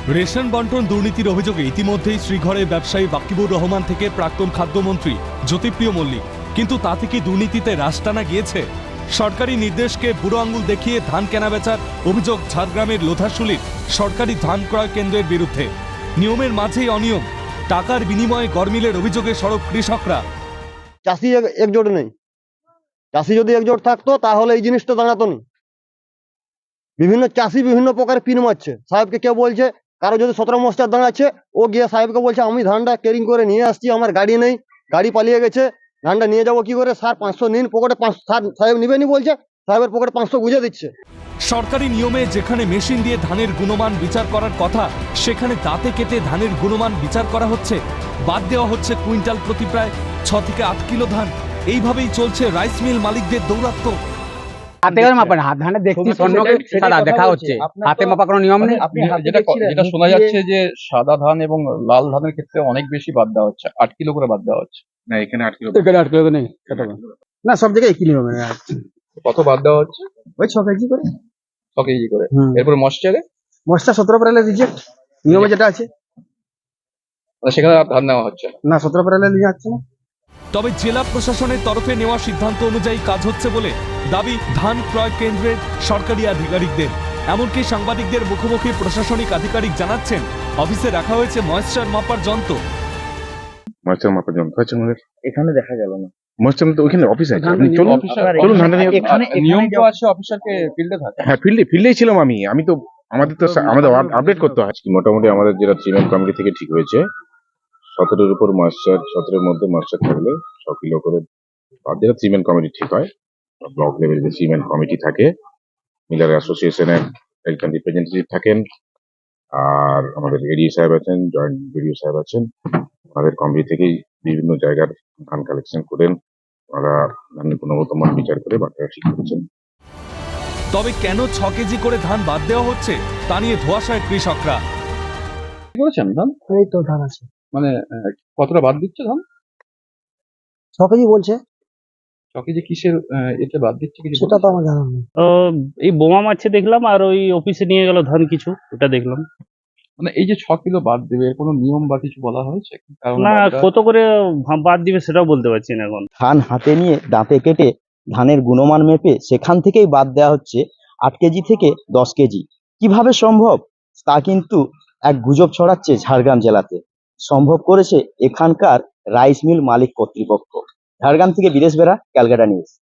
Ration বন্টন দুর্নীতির অভিযোগে ইতিমধ্যেই শ্রীঘরের ব্যবসায়ী বাকিবুর রহমান থেকে প্রাক্তন খাদ্যমন্ত্রী জ্যোতিপ্রিয় মল্লিক, কিন্তু তা থেকে দুর্নীতিতে রাশ টানা গিয়েছে। সরকারি নির্দেশকে বুড়ো আঙুল দেখিয়ে ধান কেনাবেচার অভিযোগ ঝাড়গ্রামের লোধাশুলির সরকারি ধান ক্রয় কেন্দ্রের বিরুদ্ধে। নিয়মের মাঝেই অনিয়ম, টাকার বিনিময়ে গরমিলের অভিযোগে সরব কৃষকরা। চাষি একজোট নেই। চাষি যদি একজোট থাকতো তাহলে এই জিনিসটা দাঁড়াতো না। বিভিন্ন চাষি বিভিন্ন প্রকার পিন মারছে। সাহেবকে কেউ বলছে, কারো যদি 17 মস্টার দাঁড়াচ্ছে, ও গিয়ে সাহেবকে বলছে আমি ধানটা ক্যারিং করে নিয়ে আসছি, আমার গাড়ি নেই, গাড়ি পালিয়ে গেছে, ধানটা নিয়ে যাবো কি করে? স্যার 500 নিন, পকেটে 500 সাহেব নিবেনি বলছে, সাহেবের পকেটে 500 গুঁজে দিচ্ছে। সরকারি নিয়মে যেখানে মেশিন দিয়ে ধানের গুণমান বিচার করার কথা, সেখানে দাঁতে কেটে ধানের গুণমান বিচার করা হচ্ছে। বাদ দেওয়া হচ্ছে কুইন্টাল প্রতি প্রায় 6 থেকে 8 কিলো ধান। এইভাবেই চলছে রাইস মিল মালিকদের দৌরাত্ম্য। হাতে করে মাপেন, হাত ধানে দেখছি স্বর্ণকে সাদা দেখা হচ্ছে, হাতে মাপা কোনো নিয়ম নেই। যেটা শোনা যাচ্ছে যে সাদা ধান এবং লাল ধানের ক্ষেত্রে অনেক বেশি বাদ দেওয়া হচ্ছে, 8 কিলো করে বাদ দেওয়া হচ্ছে। না, এখানে 8 কিলো, এখানে 8 কিলো নেই, না সব জায়গায় একই নিয়ম। কত বাদ দেওয়া হচ্ছে? ওই 6 কেজি করে, 6 কেজি করে। এরপর মশ্চারে মশলা 17 প্যারালে রিজেক্ট, নিয়মে যেটা আছে। সেখানে আর ধান নেওয়া হচ্ছে না, 17 প্যারালে নিয়ে যাচ্ছে না। তবে জেলা প্রশাসনের তরফে নেওয়া সিদ্ধান্ত অনুযায়ী কাজ হচ্ছে বলে দাবি ধান ক্রয় কেন্দ্রের সরকারি আধিকারিকদের। এমনকি সাংবাদিকদের মুখোমুখি প্রশাসনিক আধিকারিক জানাচ্ছেন, অফিসে রাখা হয়েছে ময়েশ্চার মাপার যন্ত্র। ময়েশ্চার মাপার যন্ত্র আছে আমাদের এখানে দেখা গেল না। ময়েশ্চার তো ওইখানে অফিসে আছে। আপনি চলুন চলুন ধানটা নিয়ে। নিয়ম তো আছে, অফিসারকে ফিল্ডে থাকে। হ্যাঁ, ফিল্ডেই ছিলাম আমি তো আমাদের তো আমাদের আপডেট করতে হয়। মোটামুটি আমাদের যেটা সিমেন্ট কমিটি থেকে ঠিক হয়েছে, 17-এর উপর ময়েশ্চার, 17-এর মধ্যে ময়েশ্চার থাকলে 6 কিলো করে, আর যেটা সিমেন্ট কমিটি ঠিক হয়, ব্লক লেভেল যে সিমেন্ট কমিটি থাকে, মিলার অ্যাসোসিয়েশনের এখানে রিপ্রেজেন্টেটিভ থাকেন, আর আমাদের এডিও সাহেব আছেন, জয়েন্ট বিডিও সাহেব আছেন। আমাদের কমিটি থেকেই বিভিন্ন জায়গার ধান কালেকশন করেন, ওনারা ধানের গুণগত মান বিচার করে বাকিরা ঠিক করেছেন। তবে কেন 6 কেজি করে ধান বাদ দেওয়া হচ্ছে তা নিয়ে ধোঁয়াশায় কৃষকরা। করেছেন ধান? এই তো ধান আছে, মানে কতটা বাদ দিচ্ছে ধান? 6 কেজি বলছে, 6 কেজি কিসের এতে বাদ দিচ্ছে কিছু? সেটা তো আমার জানা নেই। এই বোমা মারছে দেখলাম, আর ওই অফিসে নিয়ে গেল ধান কিছু, ওটা দেখলাম। মানে এই যে 6 কিলো বাদ দেবে, এর কোনো নিয়ম বা কিছু বলা হয়েছে? কারণ না, কত করে বাদ দিবে সেটাও বলতে পারছি না এখন। ধান হাতে নিয়ে দাঁতে কেটে ধানের গুণমান মেপে সেখান থেকেই বাদ দেওয়া হচ্ছে 8 কেজি থেকে 10 কেজি। কিভাবে সম্ভব তা কিন্তু এক গুজব ছড়াচ্ছে ঝাড়গ্রাম জেলাতে। সম্ভব করেছে এখানকার রাইস মিল মালিক কর্তৃপক্ষ। ঝাড়গ্রাম থেকে বিদেশ বেরা, ক্যালকাটা নিউজ।